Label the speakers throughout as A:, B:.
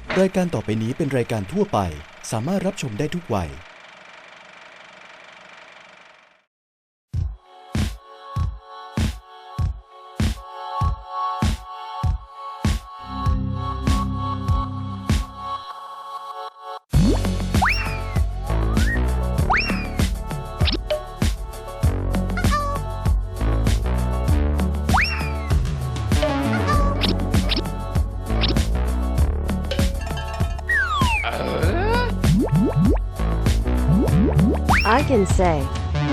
A: รายการต่อไปนี้เป็นรายการทั่วไปสามารถรับชมได้ทุกวัย
B: I can say.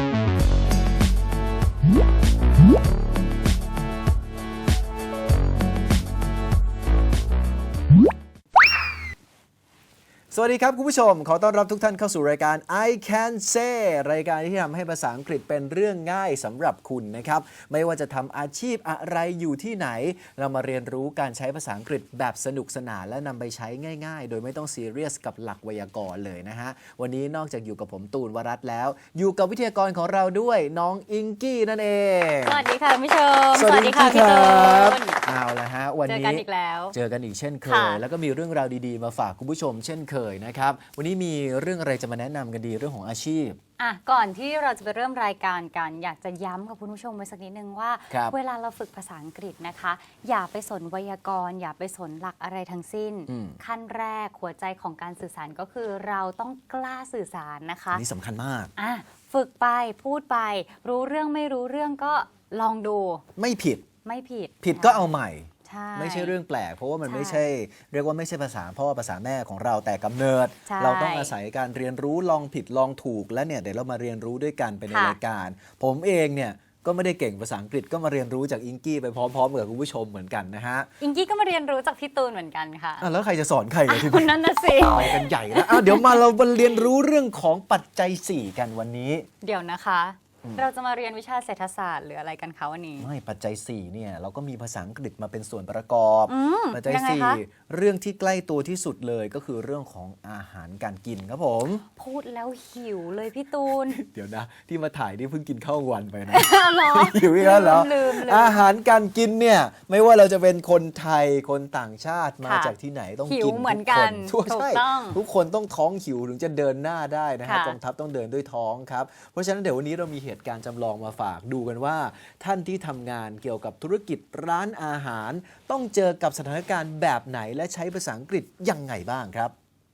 C: สวัสดีครับคุณผู้ชมขอต้อนรับทุกท่านเข้าสู่รายการ I Can Say รายการที่ทำให้ภาษาอังกฤษเป็นเรื่องง่ายสำหรับคุณนะครับไม่ว่าจะทำอาชีพอะไรอยู่ที่ไหนเรามาเรียนรู้การใช้ภาษาอังกฤษแบบสนุกสนานและนำไปใช้ง่ายๆโดยไม่ต้องซีเรียสกับหลักไวยากรณ์เลยนะฮะวันนี้นอกจากอยู่กับผมตูนวรัตน์แล้วอยู่กับวิทยากรของเราด้วยน้องอิงกี้นั่นเอง
D: สวัสดีค่ะคุณผู้ชม
C: สวัสดีค่ะพี่ตูนเอาละฮะวันนี้
D: เจอกันอีกแล้ว
C: เจอกันอีกเช่นเคยแล้วก็มีเรื่องราวดีๆมาฝากคุณผู้ชมเช่นเคยนะครับวันนี้มีเรื่องอะไรจะมาแนะนำกันดีเรื่องของอาชีพ
D: ก่อนที่เราจะไปเริ่มรายการกันอยากจะย้ำกับคุณผู้ชมไว้สักนิดนึงว่าเวลาเราฝึกภาษาอังกฤษนะคะอย่าไปสนไวยากรณ์อย่าไปสนหลักอะไรทั้งสิ้นขั้นแรกหัวใจของการสื่อสารก็คือเราต้องกล้าสื่อสารนะคะ
C: นี่สำคัญมาก
D: ฝึกไปพูดไปรู้เรื่องไม่รู้เรื่องก็ลองดู
C: ไม่ผิด
D: ผิด
C: ก็เอาใหม่
D: ไม่
C: ใช่เรื่องแปลกเพราะว่ามันไม่ใช่เรียกว่าไม่ใช่ภาษาพ่อภาษาแม่ของเราแต่กำเนิดเราต้องอาศัยการเรียนรู้ลองผิดลองถูกและเนี่ยเดี๋ยวเรามาเรียนรู้ด้วยกันไปในรายการผมเองเนี่ยก็ไม่ได้เก่งภาษาอังกฤษก็มาเรียนรู้จากอิงกี้ไปพร้อมๆกับคุณผู้ชมเหมือนกันนะฮะ
D: อิงกี้ก็มาเรียนรู้จากพี่ตูนเหมือนกันค่ะ
C: แล้วใครจะสอนใครกันที
D: นี้นั่นน่ะสิ
C: ไปกันใหญ่แล้วเดี๋ยวมาเราเรียนรู้เรื่องของปัจจัย4กันวันนี้
D: เดี๋ยวนะคะเราจะมาเรียนวิชาเศรษฐศาสตร์หรืออะไรกันคะวันนี้
C: ไม่ปัจจัย4เนี่ยเราก็มีภาษาอังกฤษมาเป็นส่วนประกอบปัจจัย4เรื่องที่ใกล้ตัวที่สุดเลยก็คือเรื่องของอาหารการกินครับผม
D: พูดแล้วหิวเลยพี่ตูน
C: เดี๋ยวนะที่มาถ่ายนี่เพิ่งกินข้าววันไปนะ
D: หรอ
C: หิวอีกแล้วเหรออาหารการกินเนี่ยไม่ว่าเราจะเป็นคนไทยคนต่างชาติมาจากที่ไหนต้องกิน
D: เหมือนกัน
C: ทุกคนต้องท้องหิวถึงจะเดินหน้าได้นะฮะกองทัพต้องเดินด้วยท้องครับเพราะฉะนั้นเดี๋ยววันนี้เรามีเหตุการณ์จำลองมาฝากดูกันว่าท่านที่ทำงานเกี่ยวกับธุรกิจร้านอาหารต้องเจอกับสถานการณ์แบบไหนและใช้ภาษาอังกฤษยังไงบ้างครับ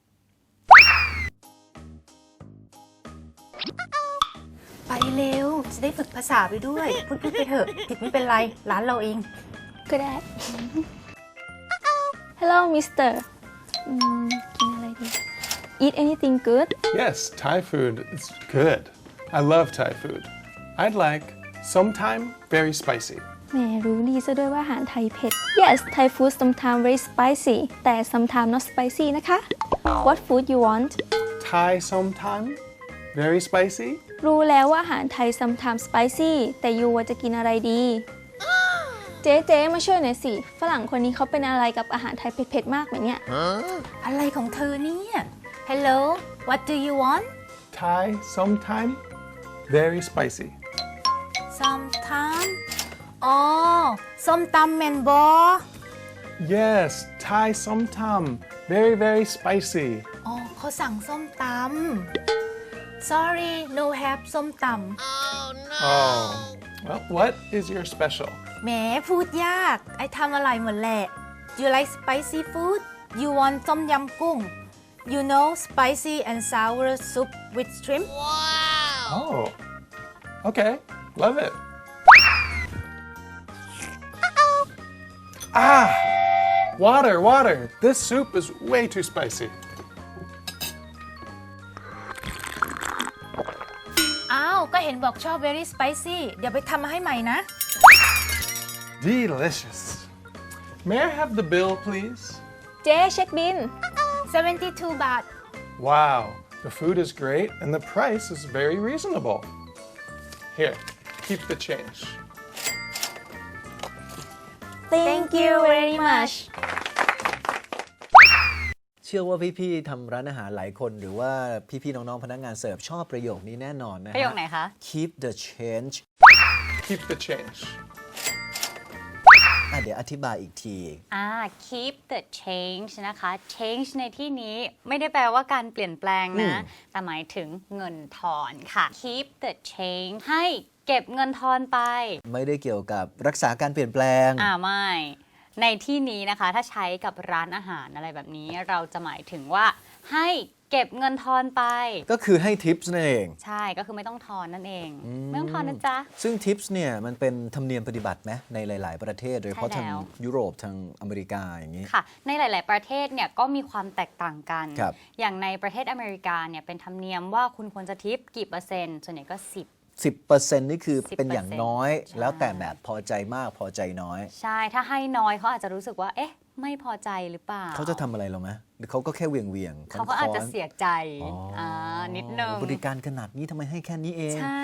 E: ไปเร็วจะได้ฝึกภาษาไปด้วยพูดไปเถอะผิดไม่เป็นไรร้านเราเอง
F: ก็ได้ Hello Mister กินอะไรดี Eat anything good
G: Yes Thai food is good I love Thai food I'd like sometime very spicy
F: แหมรู้ดีซะด้วยว่าอาหารไทยเผ็ด Yes Thai food sometimes very spicy แต่ sometimes not spicy นะคะ What food you want
G: Thai sometime very spicy
F: รู้แล้วว่าอาหารไทย sometimes spicy แต่ยูว่าจะกินอะไรดีเจ๊มาช่วยหน่อยสิฝรั่งคนนี้เขาเป็นอะไรกับอาหารไทยเผ็ดๆมากไหมเนี่ย
E: อะไรของเธอเนี่ย Hello what do you want
G: Thai sometime very spicy
E: sometime อ๋อส้มตำแมนบอ
G: Yes Thai sometime very spicy
E: อ๋อเขาสั่งส้มตำ Sorry no have ส้มตำ
G: Oh well what is your special
E: แหมพูดยากไอ้ทำอะไรหมดแหละ You like spicy food You want ต้มยำกุ้ง You know spicy and sour soup with shrimp
G: Oh okay love it water this soup is way too spicy
E: อ้าวก็เห็นบอกชอบ very spicy เดี๋ยวไปทำมาให้ใหม่นะ
G: Delicious May I have the bill please
F: เจ๊เช็คบิล
E: 72 บาท
G: Wow the food is great and the price is very reasonable Here keep the change
F: Thank you very much
C: เชื่อว่าพี่ๆทำร้านอาหารหลายคนหรือว่าพี่ๆน้องๆพนักงานเสิร์ฟชอบประโยคนี้แน่นอนนะฮะ
D: ประโยคไหนคะ
C: Keep the change
G: Keep the change
C: เดี๋ยวอธิบายอีกที
D: keep the change นะคะ change ในที่นี้ไม่ได้แปลว่าการเปลี่ยนแปลงนะ แต่หมายถึงเงินทอนค่ะ keep the change ให้เก็บเงินทอนไป
C: ไม่ได้เกี่ยวกับรักษาการเปลี่ยนแปลง
D: ไม่ ในที่นี้นะคะ ถ้าใช้กับร้านอาหารอะไรแบบนี้ เราจะหมายถึงว่าให้เก็บเงินทอนไป
C: ก็คือให้ทิปส์นั่นเอง
D: ใช่ก็คือไม่ต้องทอนนั่นเอง ไม่ต้องทอนนะจ๊ะ
C: ซึ่งทิปส์เนี่ยมันเป็นธรรมเนียมปฏิบัติไหมในหลาย ๆ ประเทศโดยเฉพาะ
D: ใช่
C: ทาง
D: แล้ว
C: ยุโรปทางอเมริกาอย่างนี้
D: ค่ะในหลาย ๆ ประเทศเนี่ยก็มีความแตกต่างกัน
C: ครับ
D: อย่างในประเทศอเมริกาเนี่ยเป็นธรรมเนียมว่าคุณควรจะทิปกี่เปอร์เซ็นต์ส่วนใหญ่ก็
C: 10% นี่คือเป็นอย่างน้อย
D: ใช่
C: แล้วแต่แบบพอใจมากพอใจน้อย
D: ใช่ถ้าให้น้อยเขาอาจจะรู้สึกว่าเอ๊ะไม่พอใจหรือเปล่า
C: เขาจะทำอะไรเราไหมหรือเขาก็แค่เวียง
D: เขาก็อาจจะ
C: ค้นๆ
D: เสียใจ
C: อ๋ออ่
D: นิดนึง
C: บริการขนาดนี้ทำไมให้แค่นี้เอง
D: ใช่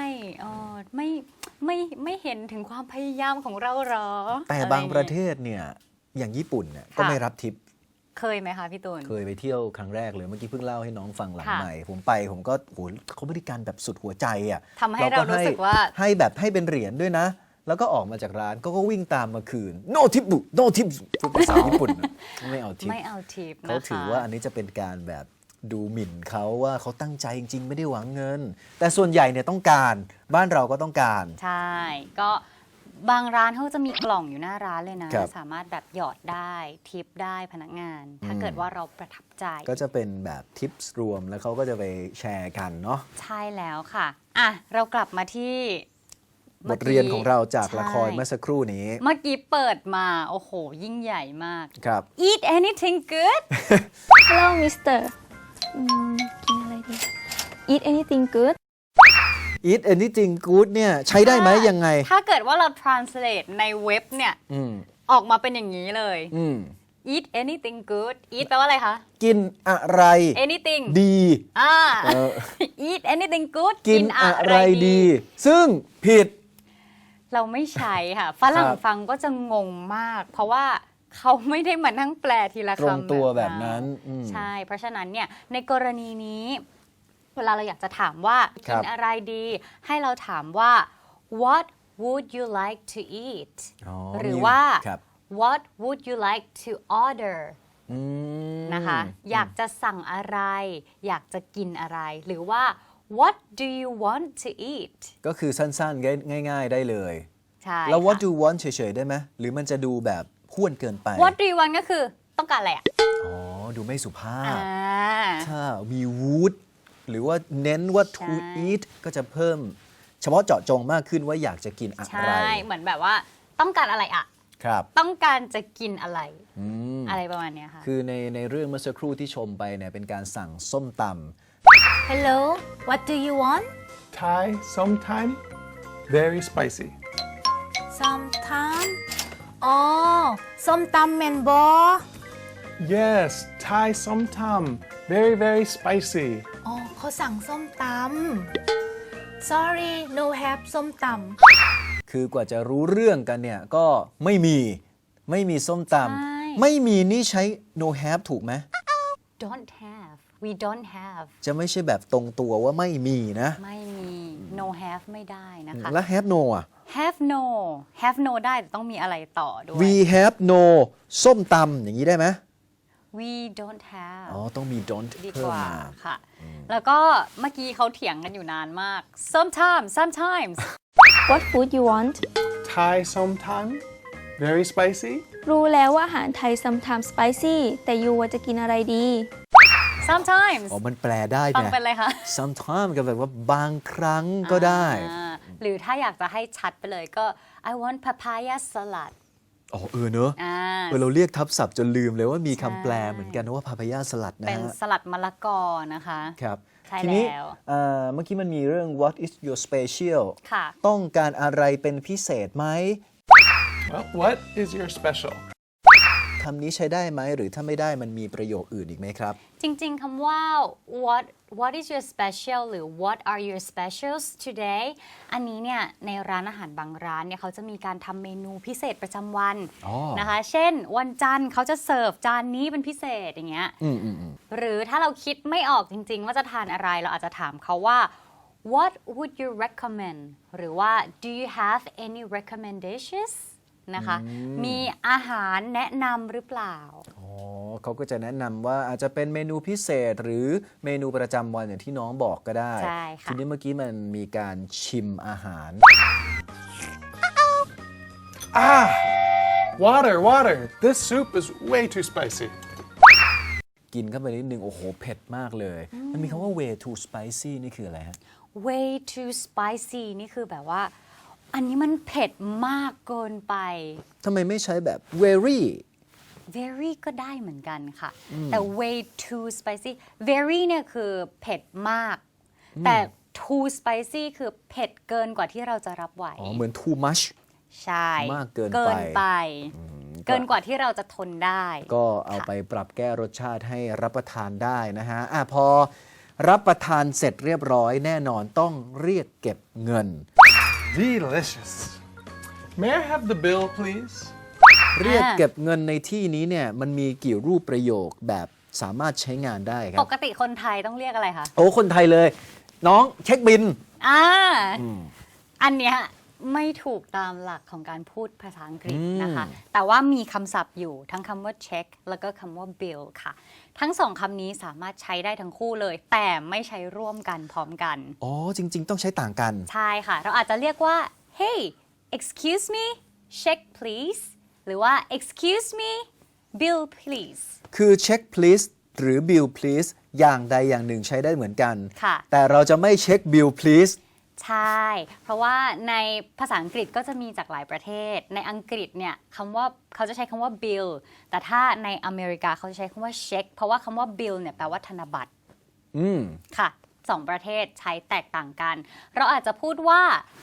D: ไม่เห็นถึงความพยายามของเราหรอ
C: แต่บางประเทศเนี่ยอย่างญี่ปุ่นเนี่ยก็ไม่รับทิป
D: เคยไหมคะพี่ตูน
C: เคยไปเที่ยวครั้งแรกเลยเมื่อกี้เพิ่งเล่าให้น้องฟังหลัง
D: ค่ะ
C: ใหม่ผมก็โหเขาบริการแบบสุดหัวใจอ่ะ
D: ทำให้เรารู้สึกว่า
C: ให้แบบให้เป็นเหรียญด้วยนะ แล้วก็ออกมาจากร้านก็วิ่งตามมาคืน no tip บุ no tip พูดภาษาญี่ปุ่นนะไม่เอาทิป
D: ไม่เอาทิปนะคะ
C: เขาถือว่าอันนี้จะเป็นการแบบดูหมิ่นเขาว่าเขาตั้งใจจริงๆ ไม่ได้หวังเงิน แต่ส่วนใหญ่เนี่ยต้องการบ้านเราก็ต้องการ
D: ใช่ ก็บางร้านเขาจะมีกล่องอยู่หน้าร้านเลยนะ
C: ครับ
D: สามารถแบบหยอดได้ทิปได้พนักงาน ถ้าเกิดว่าเราประทับใจ
C: ก็จะเป็นแบบทิปส์รวมแล้วเขาก็จะไปแชร์กันเนาะ
D: ใช่แล้วค่ะอ่ะ เรากลับมาที่
C: บทเรียนของเราจากละคร
D: ใช่
C: เมื่อสักครู่นี้
D: เมื่อกี้เปิดมา โอ้โห ยิ่งใหญ่มาก
C: ครับ
D: Eat anything good
F: Hello Mister กินอะไรดี Eat anything good
C: eat anything good เนี่ยใช้ได้ไหมยังไง
D: ถ้าเกิดว่าเรา translate ในเว็บเนี่ย
C: อืม
D: ออกมาเป็นอย่างนี้เลย
C: อืม
D: Eat anything good Eat แปลว่าอะไรคะ
C: กินอะไร
D: anything
C: ดี เออ
D: Eat anything good
C: กินอะไรดี ซึ่งผิด
D: เราไม่ใช้ค่ะฝรั่ง
C: ครับ
D: ฟังก็จะงงมาก เพราะว่าเขาไม่ได้มานั่งแปลทีละ
C: ตรง
D: คำ
C: ตัวแบบนั้นอืม
D: ใช่ เพราะฉะนั้นเนี่ยในกรณีนี้ เวลาเราอยากจะถามว่า
C: ครั
D: กิ
C: บ
D: นอะไรดี ให้เราถามว่า what would you like to eat
C: อ๋อ
D: หรือ
C: มี
D: ว่า
C: ครับ
D: what would you like to order
C: อืม
D: นะคะ อยากจะสั่งอะไร อยากจะกินอะไร หรือว่า what do you want to eat
C: ก็คือสั้นๆ ง่ายๆ ได้เลย
D: ใช่
C: แล้ว what
D: ค่ะ
C: do you want เฉยๆ ได้ไหม หรือมันจะดูแบบห้วนเกินไป
D: what do you want ก็คือต้องการอะไรอ่ะ
C: อ๋อ ดูไม่สุภาพ
D: อ่า
C: ถ้ามี would หรือว่าเน้นว่า to
D: ใช่
C: eat ก็จะเพิ่ม เฉพาะเจาะจงมากขึ้นว่าอยากจะกินอะ
D: ใช
C: ไร
D: ่ เหมือนแบบว่าต้องการอะไรอ่ะ
C: ครับ
D: ต้องการจะกินอะไร
C: อืม
D: อะไรประมาณเนี้ยค่ะ
C: คือในเรื่องเมื่อสักครู่ที่ชมไปเนี่ยเป็นการสั่งส้มต
E: Hello what do you want
G: Thai, sometime, very spicy.
E: sometime อ๋อส้มตำแมนบอ
G: Yes, Thai sometime, very, very spicy.
E: อ๋อเขาสั่งส้มตำ sorry no have ส้มต
C: ำคือกว่าจะรู้เรื่องกันเนี่ยก็ไม่มีส้มต
D: ใช่
C: ำไม่มีนี่ใช้ no have ถูกไหม
D: don't have we don't have
C: จะไม่ใช่แบบตรงตัวว่าไม่มีนะ
D: ไม่มี no have ไม่ได้นะคะ
C: แล้ว have no อ่ะ
D: have no have no ได้แต่ต้องมีอะไรต่อด้วย
C: we have no ส้มตำอย่างนี้ได้ไหม
D: we don't have
C: อ๋อ ต้องมี don't
D: ดี
C: เพิ่
D: ก
C: ม
D: ว่า
C: มา
D: ค่ะ แล้วก็เมื่อกี้เขาเถียงกันอยู่นานมาก sometimes
F: What food you want
G: Thai sometime, very spicy.
F: รู้แล้วว่าอาหารไทย sometimes spicy แต่ยูว่าจะกินอะไรดี
D: sometimes
C: อ๋อ มันแปลได้
D: ฟัง
C: ไง
D: เป็นอะไรคะ
C: sometimes ก็แบบว่าบางครั้งก็ได้
D: หรือถ้าอยากจะให้ชัดไปเลยก็ I want papaya salad
C: อ๋อ เนอะ เราเรียกทับศัพท์จนลืมเลยว่ามีคำแปลเหมือนกันนะว่าพาพายาสลัดนะ
D: เป็น
C: ฮะ
D: สลัดมะละกอนะคะ
C: ครับ
D: ใช่
C: ทีนี้
D: แล้ว
C: เมื่อกี้มันมีเรื่อง what is your special
D: ค่ะ
C: ต้องการอะไรเป็นพิเศษไหม
G: Well, what is your special?
C: คำนี้ใช้ได้ไหม หรือถ้าไม่ได้มันมีประโยคอื่นอีกไหมครับ
D: จริงๆคำว่า what is your special หรือ what are your specials today อันนี้เนี่ยในร้านอาหารบางร้านเนี่ยเขาจะมีการทำเมนูพิเศษประจำวัน
C: อ๋อ
D: นะคะ เช่น วันจันทร์เขาจะเสิร์ฟจานนี้เป็นพิเศษอย่างเงี้ย หรือถ้าเราคิดไม่ออกจริงๆ ว่าจะทานอะไรเราอาจจะถามเขาว่า what would you recommend หรือว่า do you have any recommendations นะคะ มีอาหารแนะนำหรือเปล่า
C: อ๋อเขาก็จะแนะนำว่าอาจจะเป็นเมนูพิเศษหรือเมนูประจำวันอย่างที่น้องบอกก็ได้
D: ใช่ค่ะ
C: ทีนี้เมื่อกี้มันมีการชิมอาหาร
G: Water. This soup is way too spicy.
C: กินเข้าไปนิดนึงโอ้โหเผ็ดมากเลย มันมีคำว่า way too spicy นี่คืออะไรฮะ
D: way too spicy นี่คือแบบว่า อันนี้มันเผ็ดมากเกินไป
C: ทำไมไม่ใช้แบบ very
D: very ก็ได้เหมือนกันค่ะ แต่ way too spicy very เนี่ยคือเผ็ดมาก แต่ too spicy คือเผ็ดเกินกว่าที่เราจะรับไหว
C: อ๋อเหมือน too much
D: ใช่
C: มากเกินไป
D: เกินกว่าที่เราจะทนได้
C: ก็เอาไปปรับแก้รสชาติให้รับประทานได้นะฮะพอรับประทานเสร็จเรียบร้อยแน่นอนต้องเรียกเก็บเงิน
G: Delicious. May I have the bill, please?
C: เรียกเก็บเงินในที่นี้เนี่ยมันมีกี่รูปประโยคแบบสามารถใช้งานได้ครั
D: ป
C: บ
D: กติคนไทยต้องเรียกอะไรคะ
C: โอ้คนไทยเลย น้องเช็คบิน
D: อันเนี้ยไม่ถูกตามหลักของการพูดภาษาอังกฤษนะคะ แต่ว่ามีคำศัพท์อยู่ทั้งคำว่า check แล้วก็คำว่า bill ค่ะ ทั้งสองคำนี้สามารถใช้ได้ทั้งคู่เลย แต่ไม่ใช้ร่วมกันพร้อมกัน
C: อ๋อจริง ๆ ต้องใช้ต่างกัน
D: ใช่ค่ะ เราอาจจะเรียกว่า hey excuse me check please หรือว่า excuse me bill please
C: คือ check please หรือ bill please อย่างใดอย่างหนึ่งใช้ได้เหมือนกัน
D: ค่ะ
C: แต่เราจะไม่เช็ค bill please
D: ใช่ เพราะว่าในภาษาอังกฤษก็จะมีจากหลายประเทศ ในอังกฤษเนี่ยคำว่าเขาจะใช้คำว่า bill แต่ถ้าในอเมริกาเขาจะใช้คำว่า check เพราะว่าคำว่า bill เนี่ยแปลว่าธนบัตรค่ะสองประเทศใช้แตกต่างกัน เราอาจจะพูดว่า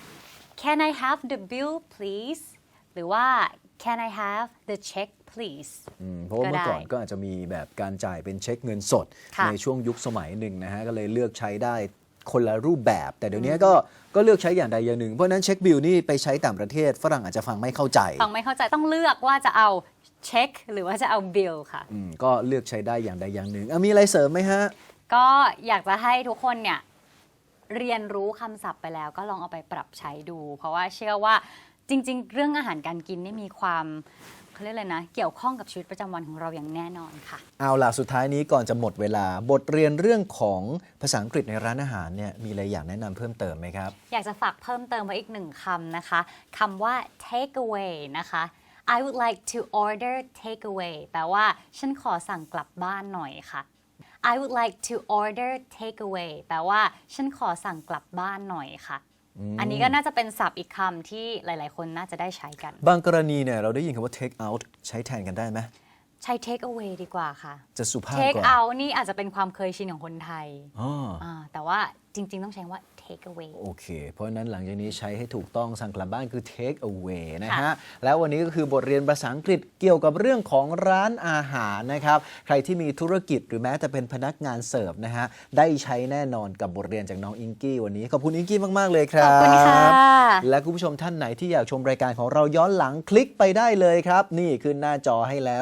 D: can I have the bill please หรือว่า can I have the check please
C: เพราะว่าเมื่อก่อน
D: ก็ได้
C: ก็อาจจะมีแบบการจ่ายเป็นเช็คเงินสด
D: ค่ะ
C: ในช่วงยุคสมัยหนึ่งนะฮะก็เลยเลือกใช้ได้คนละรูปแบบ แต่เดี๋ยวนี้ก็เลือกใช้อย่างใดอย่างหนึ่ง เพราะฉะนั้นเช็คบิลนี่ไปใช้ต่างประเทศฝรั่งอาจจะฟังไม่เข้าใจ
D: ฟังไม่เข้าใจต้องเลือกว่าจะเอา check หรือว่าจะเอา bill ค่ะ
C: ก็เลือกใช้ได้อย่างใดอย่างหนึ่งมีอะไรเสริมไหมฮะ
D: ก็อยากจะให้ทุกคนเนี่ยเรียนรู้คำศัพท์ไปแล้วก็ลองเอาไปปรับใช้ดู เพราะว่าเชื่อว่าจริงๆ เรื่องอาหารการกินนี่มีความเขาเรียกอะไรนะเกี่ยวข้องกับชีวิตประจำวันของเราอย่างแน่นอนค่ะ
C: เอาล่ะสุดท้ายนี้ก่อนจะหมดเวลาบทเรียนเรื่องของภาษาอังกฤษในร้านอาหารเนี่ยมีอะไรอยากแนะนำเพิ่มเติมไหมครับ
D: อยากจะฝากเพิ่มเติมไว้อีกหนึ่งคำนะคะคำว่า take away นะคะ I would like to order take away แปลว่าฉันขอสั่งกลับบ้านหน่อยค่ะ I would like to order take away แปลว่าฉันขอสั่งกลับบ้านหน่อยค่ะ อันนี้ก็น่าจะเป็นศัพท์อีกคำที่หลายๆ คนน่าจะได้ใช้กัน
C: บางกรณีเนี่ยเราได้ยินคำว่า take out ใช้แทนกันได้ไหม
D: ใช้ take away ดีกว่าค่ะ
C: จะสุภาพ
D: take
C: กว่า
D: out นี่อาจจะเป็นความเคยชินของคนไทย
C: อ๋อ
D: แต่ว่าจริง ๆ ต้องใช้ว่า take away
C: โอเค เพราะฉะนั้นหลังจากนี้ใช้ให้ถูกต้องสั่งกลับบ้านคือ take away นะฮะ แล้ววันนี้ก็คือบทเรียนภาษาอังกฤษเกี่ยวกับเรื่องของร้านอาหารนะครับ ใครที่มีธุรกิจหรือแม้แต่เป็นพนักงานเสิร์ฟนะฮะ ได้ใช้แน่นอนกับบทเรียนจากน้องอิงกี้วันนี้ขอบคุณอิงกี้มาก ๆ เลยครับ
D: ขอบคุณค่ะ
C: และคุณผู้ชมท่านไหนที่อยากชมรายการของเราย้อนหลังคลิกไปได้เลยครับ นี่ขึ้นหน้าจอให้แล้ว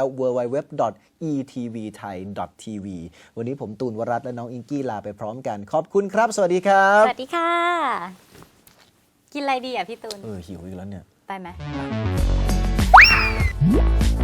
C: www.etvthai.tv วันนี้ผมตูนวรัตน์และน้องอิงกี้ลาไปพร้อมกัน ขอบคุณครับ สวัสดีครับ
D: สวัสดีค่ะ กินอะไรดีอ่ะพี่ตูน
C: หิวอีกแล้วเนี่ย
D: ไปไหม